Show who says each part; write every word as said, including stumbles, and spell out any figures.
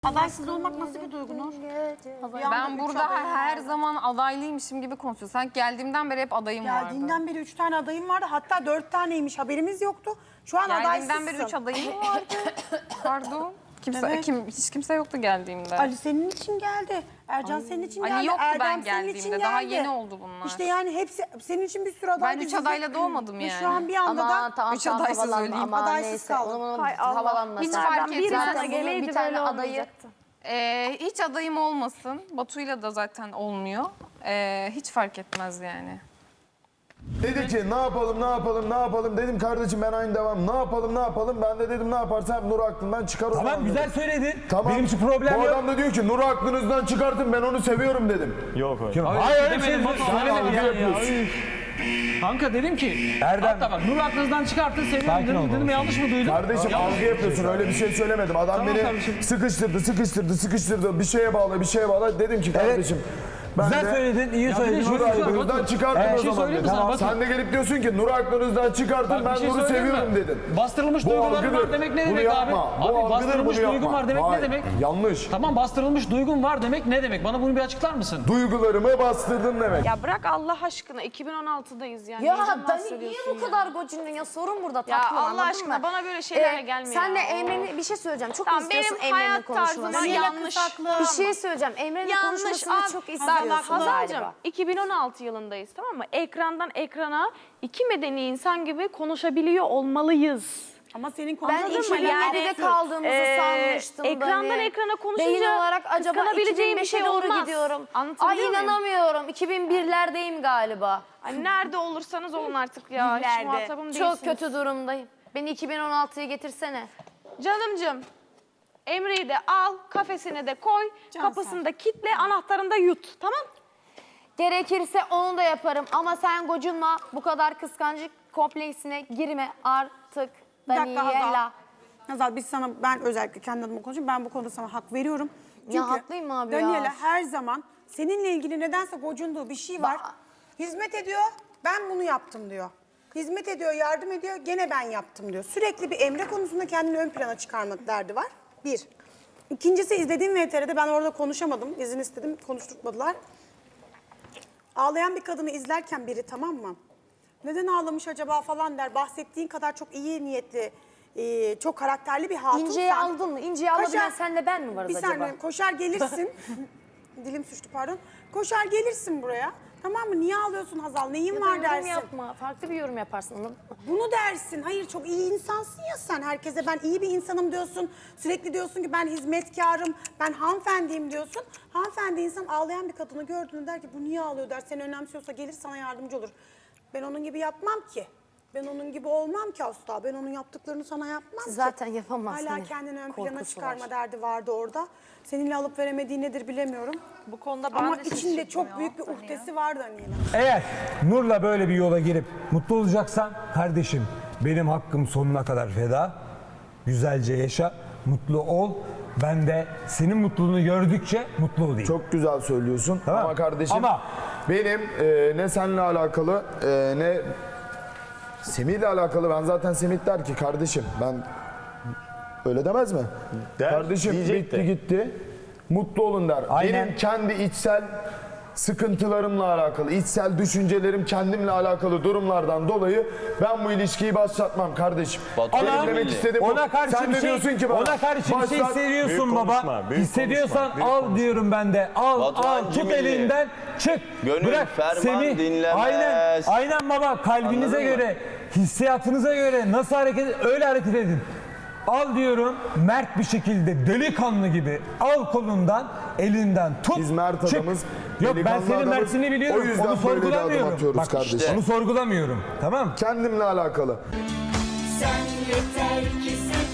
Speaker 1: Adaysız olmak nasıl bir duygu Nur?
Speaker 2: Ben burada her zaman adaylıymışım gibi konuşuyorum. Sanki geldiğimden beri hep adayım vardı.
Speaker 1: Geldiğinden beri üç tane adayım vardı. Hatta dört taneymiş, haberimiz yoktu. Şu an adaysızsın.
Speaker 2: Geldiğimden beri üç adayım vardı. Pardon. Kimse,
Speaker 1: Evet.
Speaker 2: kim, hiç kimse yoktu geldiğimde.
Speaker 1: Ali senin için geldi. Ercan
Speaker 2: Ay.
Speaker 1: senin için
Speaker 2: Ali
Speaker 1: geldi.
Speaker 2: yoktu
Speaker 1: Erdem
Speaker 2: ben
Speaker 1: senin için
Speaker 2: geldiğimde.
Speaker 1: geldi.
Speaker 2: Daha yeni oldu bunlar.
Speaker 1: İşte yani hepsi senin için bir sürü aday
Speaker 2: Ben üç
Speaker 1: dizisi.
Speaker 2: adayla doğmadım
Speaker 1: Ve
Speaker 2: yani.
Speaker 1: Şu an bir anda
Speaker 3: Ama
Speaker 1: da
Speaker 3: tamam,
Speaker 2: üç
Speaker 3: tamam,
Speaker 2: adaysız
Speaker 3: havalanma
Speaker 2: öleyim.
Speaker 3: ama
Speaker 1: Adaysız
Speaker 3: neyse,
Speaker 1: kaldım.
Speaker 3: onun- onun
Speaker 4: Hay Allah.
Speaker 3: havalanmasın.
Speaker 2: Hiç
Speaker 4: Nereden
Speaker 2: fark
Speaker 4: biri
Speaker 2: etmez.
Speaker 4: sana
Speaker 3: Zaten bunun
Speaker 4: geleydi
Speaker 3: bir tane
Speaker 4: böyle
Speaker 3: adayı-
Speaker 4: olmayacaktı.
Speaker 2: Ee, hiç adayım olmasın. Batu'yla da zaten olmuyor. Ee, hiç fark etmez yani.
Speaker 5: Dedi ki ne yapalım ne yapalım ne yapalım dedim kardeşim ben aynı devam ne yapalım ne yapalım ben de dedim ne yaparsam Nur'u aklından çıkar o
Speaker 6: Tamam
Speaker 5: zaman
Speaker 6: güzel
Speaker 5: dedim.
Speaker 6: söyledin.
Speaker 5: Tamam.
Speaker 6: Benim için problem
Speaker 5: Bu
Speaker 6: yok.
Speaker 5: adam da diyor ki Nur'u aklınızdan çıkartın ben onu seviyorum dedim.
Speaker 7: Yok öyle.
Speaker 6: Yok, hayır öyle bir şey
Speaker 7: Demedim,
Speaker 6: söylemedim
Speaker 5: algı
Speaker 6: yani.
Speaker 5: yapıyorsun.
Speaker 6: Ya.
Speaker 7: Kanka dedim ki,
Speaker 6: Erdem.
Speaker 7: hatta bak Nur aklınızdan çıkartın seviyorum
Speaker 6: Sakin
Speaker 7: dedim,
Speaker 6: ol
Speaker 7: dedim
Speaker 6: baba.
Speaker 7: yanlış mı duydum?
Speaker 5: Kardeşim
Speaker 7: Yanlış.
Speaker 5: algı yapıyorsun öyle bir şey söylemedim. Adam
Speaker 7: Tamam
Speaker 5: beni
Speaker 7: kardeşim.
Speaker 5: sıkıştırdı sıkıştırdı sıkıştırdı bir şeye bağla bir şeye bağla dedim ki kardeşim. Ben
Speaker 6: Güzel
Speaker 5: de
Speaker 6: söyledin, iyi
Speaker 7: Ya bir de
Speaker 6: söyledin.
Speaker 7: şöyle
Speaker 5: Nur'u
Speaker 7: bir şey var,
Speaker 5: aklınızdan
Speaker 7: Batu.
Speaker 5: çıkartın
Speaker 6: Evet,
Speaker 5: o
Speaker 6: bir şey
Speaker 5: zaman
Speaker 7: söyleyeyim mi
Speaker 5: dedim.
Speaker 7: sana, Batu?
Speaker 5: Sen de gelip diyorsun ki Nur'u aklınızdan çıkartın
Speaker 7: Bak, bir
Speaker 5: ben
Speaker 7: şey
Speaker 5: Nur'u
Speaker 7: söyleyeyim mi?
Speaker 5: seviyorum dedin.
Speaker 7: Bastırılmış
Speaker 5: Bu
Speaker 7: duygularım
Speaker 5: algıdır.
Speaker 7: var demek ne
Speaker 5: Bunu
Speaker 7: demek abi?
Speaker 5: yapma. Bu
Speaker 7: Abi
Speaker 5: algıdır,
Speaker 7: bastırılmış
Speaker 5: bunu
Speaker 7: duygum
Speaker 5: yapma.
Speaker 7: var demek
Speaker 5: Hayır,
Speaker 7: ne demek?
Speaker 5: yanlış.
Speaker 7: Tamam bastırılmış duygum var demek ne demek? Bana bunu bir açıklar mısın?
Speaker 5: Duygularımı bastırdın demek.
Speaker 4: Ya bırak Allah aşkına iki bin on altıdayız yani.
Speaker 3: Ya
Speaker 4: Neyden
Speaker 3: Dani niye
Speaker 4: bahsediyorsun
Speaker 3: bu kadar gocundun ya? Sorun burada
Speaker 4: Ya
Speaker 3: tatlım,
Speaker 4: Allah
Speaker 3: anladın
Speaker 4: aşına
Speaker 3: mı?
Speaker 4: bana böyle şeylerle gelme
Speaker 3: Sen de
Speaker 4: ya.
Speaker 3: Emre'nin bir şey söyleyeceğim. Çok
Speaker 4: Tamam,
Speaker 3: istiyorsun
Speaker 4: benim
Speaker 3: Emre'nin
Speaker 4: hayat
Speaker 3: konuşmasını.
Speaker 4: tarzıma yanlış.
Speaker 3: Bir şey söyleyeceğim. Emre'nin
Speaker 4: Yanlış
Speaker 3: konuşmasını
Speaker 4: abi.
Speaker 3: çok
Speaker 4: Bak,
Speaker 3: istiyorsun
Speaker 4: bak Hazal'cığım
Speaker 3: galiba.
Speaker 4: iki bin on altı yılındayız tamam mı? Ekrandan ekrana iki medeni insan gibi konuşabiliyor olmalıyız.
Speaker 1: Ama senin
Speaker 3: Ben
Speaker 1: konuşmadığın
Speaker 4: Anladın
Speaker 3: iki
Speaker 4: mı?
Speaker 3: bin
Speaker 4: Yani,
Speaker 3: yedide kaldığımızı
Speaker 4: e,
Speaker 3: sanmıştım.
Speaker 4: ekrandan
Speaker 3: Dani.
Speaker 4: ekrana konuşunca
Speaker 3: Beyin olarak acaba
Speaker 4: kıskanabileceğim bir şey
Speaker 3: iki bin beşe doğru
Speaker 4: olmaz.
Speaker 3: gidiyorum.
Speaker 4: Anlatabiliyor
Speaker 3: Ay
Speaker 4: muyum?
Speaker 3: inanamıyorum. iki bin birlerdeyim galiba.
Speaker 4: Ay, nerede olursanız olun artık ya. Hiç
Speaker 1: Nerede?
Speaker 4: muhatabım değilsiniz.
Speaker 3: Çok kötü durumdayım. Beni iki bin on altıya getirsene.
Speaker 4: Canımcığım, Emre'yi de al, kafesine de koy,
Speaker 1: Can
Speaker 4: kapısını da kitle, anahtarını da yut. Tamam?
Speaker 3: Gerekirse onu da yaparım ama sen gocunma. Bu kadar kıskancık kompleksine girme artık.
Speaker 1: Bir dakika Hazal.
Speaker 3: Daniela.
Speaker 1: Hazal biz sana, ben özellikle kendi adıma konuşayım. Ben bu konuda sana hak veriyorum. Çünkü
Speaker 3: Ya haklıyım abi ya.
Speaker 1: Daniela her zaman seninle ilgili nedense gocunduğu bir şey var.
Speaker 3: Ba-
Speaker 1: Hizmet ediyor, ben bunu yaptım diyor. Hizmet ediyor, yardım ediyor, gene ben yaptım diyor. Sürekli bir Emre konusunda kendini ön plana çıkarmak derdi var. Bir. İkincisi izlediğim V T R'de ben orada konuşamadım. İzin istedim, konuşturmadılar. Ağlayan bir kadını izlerken biri tamam mı? Neden ağlamış acaba falan der. Bahsettiğin kadar çok iyi niyetli, e, çok karakterli bir hatunsan.
Speaker 3: İnce'yi aldın mı? İnce'yi alabilen senle ben mi varız
Speaker 1: bir
Speaker 3: acaba?
Speaker 1: saniye koşar gelirsin. Dilim suçtu pardon. Koşar gelirsin buraya. Tamam mı? Niye ağlıyorsun Hazal? Neyin
Speaker 3: Ya da
Speaker 1: var
Speaker 3: yorum
Speaker 1: dersin.
Speaker 3: yapma. Farklı bir yorum yaparsın. Anladın mı?
Speaker 1: Bunu dersin. Hayır çok iyi insansın ya sen. Herkese ben iyi bir insanım diyorsun. Sürekli diyorsun ki ben hizmetkarım, ben hanımefendiyim diyorsun. Hanımefendi insan ağlayan bir kadını gördüğünde der ki bu niye ağlıyor der. Seni önemsiyorsa gelir sana yardımcı olur. Ben onun gibi yapmam ki. Ben onun gibi olmam ki asla. Ben onun yaptıklarını sana yapmam ki.
Speaker 3: Zaten yapamaz
Speaker 1: Hala
Speaker 3: hani.
Speaker 1: kendini ön plana
Speaker 3: Korkusu
Speaker 1: çıkarma
Speaker 3: var.
Speaker 1: derdi vardı orada. Seninle alıp veremediği nedir bilemiyorum.
Speaker 4: Bu konuda ben
Speaker 1: Ama
Speaker 4: de
Speaker 1: içinde
Speaker 4: şaşırdım
Speaker 1: çok
Speaker 4: ya,
Speaker 1: büyük bir
Speaker 4: Daniela.
Speaker 1: uhdesi var Daniela.
Speaker 6: Eğer Nur'la böyle bir yola girip mutlu olacaksan kardeşim benim hakkım sonuna kadar feda. Güzelce yaşa, mutlu ol. Ben de senin mutluluğunu gördükçe mutlu olayım.
Speaker 5: Çok güzel söylüyorsun
Speaker 6: Tamam.
Speaker 5: ama kardeşim
Speaker 6: Ama-
Speaker 5: benim e, ne seninle alakalı e, ne Semih'le alakalı ben zaten Semih der ki kardeşim ben öyle demez mi?
Speaker 7: Der,
Speaker 5: kardeşim
Speaker 7: diyecek
Speaker 5: bitti
Speaker 7: de.
Speaker 5: gitti mutlu olun der.
Speaker 6: Aynen.
Speaker 5: Benim kendi içsel sıkıntılarımla alakalı, içsel düşüncelerim kendimle alakalı durumlardan dolayı ben bu ilişkiyi başlatmam kardeşim.
Speaker 7: Batu,
Speaker 5: Benim
Speaker 6: Ama
Speaker 5: demek istediğim bu.
Speaker 6: ona karşı
Speaker 5: Sen
Speaker 6: bir
Speaker 5: de
Speaker 6: şey,
Speaker 5: diyorsun ki bana,
Speaker 6: ona karşı bir şey
Speaker 5: başlat-
Speaker 6: hissediyorsun
Speaker 7: Büyük
Speaker 6: baba.
Speaker 7: konuşma, büyük
Speaker 6: Hissediyorsan
Speaker 7: konuşma, büyük
Speaker 6: al
Speaker 7: konuşma.
Speaker 6: diyorum ben de. Al
Speaker 8: Batuhan
Speaker 6: al tut
Speaker 8: Cimri.
Speaker 6: elinden çık.
Speaker 8: Gönül
Speaker 6: Bırak
Speaker 8: ferman
Speaker 6: Semih.
Speaker 8: dinlemez.
Speaker 6: Aynen, aynen baba kalbinize
Speaker 8: Anladın mı?
Speaker 6: göre, hissiyatınıza göre nasıl hareket öyle hareket edin. Al diyorum mert bir şekilde delikanlı gibi al kolundan elinden tut
Speaker 5: Biz mert
Speaker 6: çık.
Speaker 5: adamız,
Speaker 6: Yok ben
Speaker 5: delikanlı
Speaker 6: senin
Speaker 5: adamız.
Speaker 6: mertini biliyorum
Speaker 5: O yüzden
Speaker 6: onu
Speaker 5: böyle bir adım
Speaker 6: sorgulamıyorum.
Speaker 5: atıyoruz
Speaker 6: Bak
Speaker 5: kardeşim.
Speaker 6: onu sorgulamıyorum tamam.
Speaker 5: Kendimle alakalı.
Speaker 9: Sen yeter ki sev